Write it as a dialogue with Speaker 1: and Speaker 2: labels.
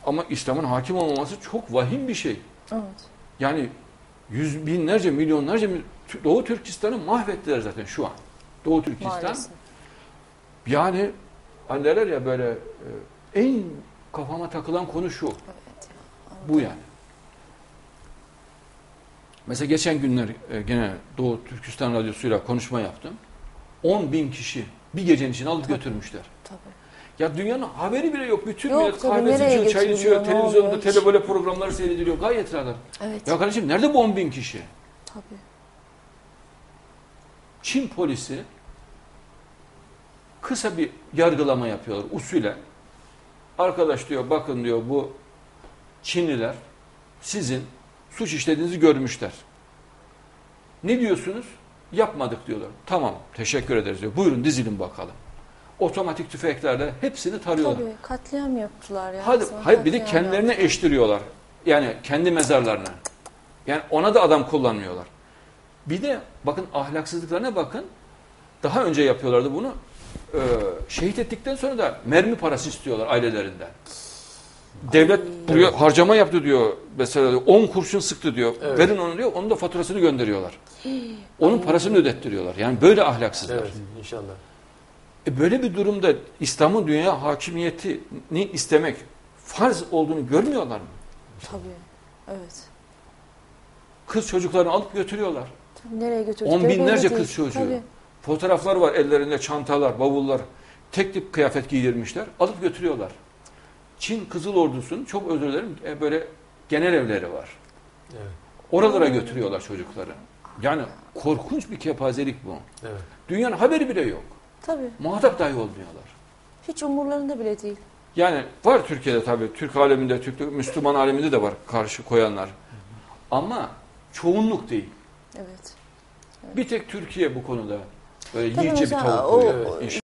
Speaker 1: Ama İslam'ın hakim olmaması çok vahim bir şey.
Speaker 2: Evet.
Speaker 1: Yani yüz binlerce, milyonlarca Doğu Türkistan'ı mahvettiler zaten şu an. Doğu Türkistan.
Speaker 2: Maalesef.
Speaker 1: Yani hani derler ya böyle en kafama takılan konu şu.
Speaker 2: Evet.
Speaker 1: Bu yani. Mesela geçen günler gene Doğu Türkistan Radyosu'yla konuşma yaptım. 10.000 kişi bir gecenin için alıp götürmüşler.
Speaker 2: Tabii.
Speaker 1: Ya dünyanın haberi bile yok. Bütün
Speaker 2: Yok,
Speaker 1: millet
Speaker 2: tabii,
Speaker 1: kahvesi
Speaker 2: nereye
Speaker 1: içiyor, çay içiyor,
Speaker 2: götürülüyor, ne
Speaker 1: televizyonda
Speaker 2: oluyor hiç?
Speaker 1: televole programları seyrediliyor. Gayet rahat.
Speaker 2: Evet.
Speaker 1: Ya kardeşim nerede bu 10.000 kişi?
Speaker 2: Tabii.
Speaker 1: Çin polisi kısa bir yargılama yapıyorlar usulen. Arkadaş diyor bakın diyor bu Çinliler sizin suç işlediğinizi görmüşler. Ne diyorsunuz? Yapmadık diyorlar. Tamam teşekkür ederiz diyor. Buyurun dizilin bakalım. Otomatik tüfeklerle hepsini tarıyorlar.
Speaker 2: Tabii katliam yaptılar ya.
Speaker 1: Hayır bir de
Speaker 2: Katliam
Speaker 1: kendilerine
Speaker 2: yaptılar.
Speaker 1: eştiriyorlar. Yani kendi mezarlarına. Yani ona da adam kullanmıyorlar. Bir de bakın ahlaksızlıklarına bakın. Daha önce yapıyorlardı bunu. Şehit ettikten sonra da mermi parası istiyorlar ailelerinden. Devlet buraya harcama yaptı diyor. Mesela 10 kurşun sıktı diyor.
Speaker 3: Evet.
Speaker 1: Verin onu diyor. Onun da faturasını gönderiyorlar. Onun parasını ödettiriyorlar. Yani böyle ahlaksızlar.
Speaker 3: Evet, inşallah.
Speaker 1: Böyle bir durumda İslam'ın dünya hakimiyetini istemek farz olduğunu görmüyorlar mı?
Speaker 2: Tabii. Evet.
Speaker 1: Kız çocuklarını alıp götürüyorlar.
Speaker 2: Tabii nereye götürdükleri
Speaker 1: On binlerce
Speaker 2: belli değil.
Speaker 1: kız çocuğu.
Speaker 2: Tabii.
Speaker 1: Fotoğraflar var ellerinde çantalar, bavullar. Tek tip kıyafet giydirmişler. Alıp götürüyorlar. Çin Kızıl Ordusu'nun çok özür dilerim böyle genel evleri var.
Speaker 3: Evet.
Speaker 1: Oralara götürüyorlar çocukları. Yani korkunç bir kepazelik bu.
Speaker 3: Evet.
Speaker 1: Dünyanın haberi bile yok.
Speaker 2: Tabii.
Speaker 1: Muhatap dahi olmuyorlar.
Speaker 2: Hiç umurlarında bile değil.
Speaker 1: Yani var Türkiye'de tabii. Türk aleminde, Müslüman aleminde de var karşı koyanlar. Ama çoğunluk değil.
Speaker 2: Evet.
Speaker 1: Bir tek Türkiye bu konuda böyle
Speaker 2: Tabii
Speaker 1: yiğitçe bir
Speaker 2: mesela
Speaker 1: tavuk
Speaker 2: o-
Speaker 1: koyuyor.
Speaker 3: Evet.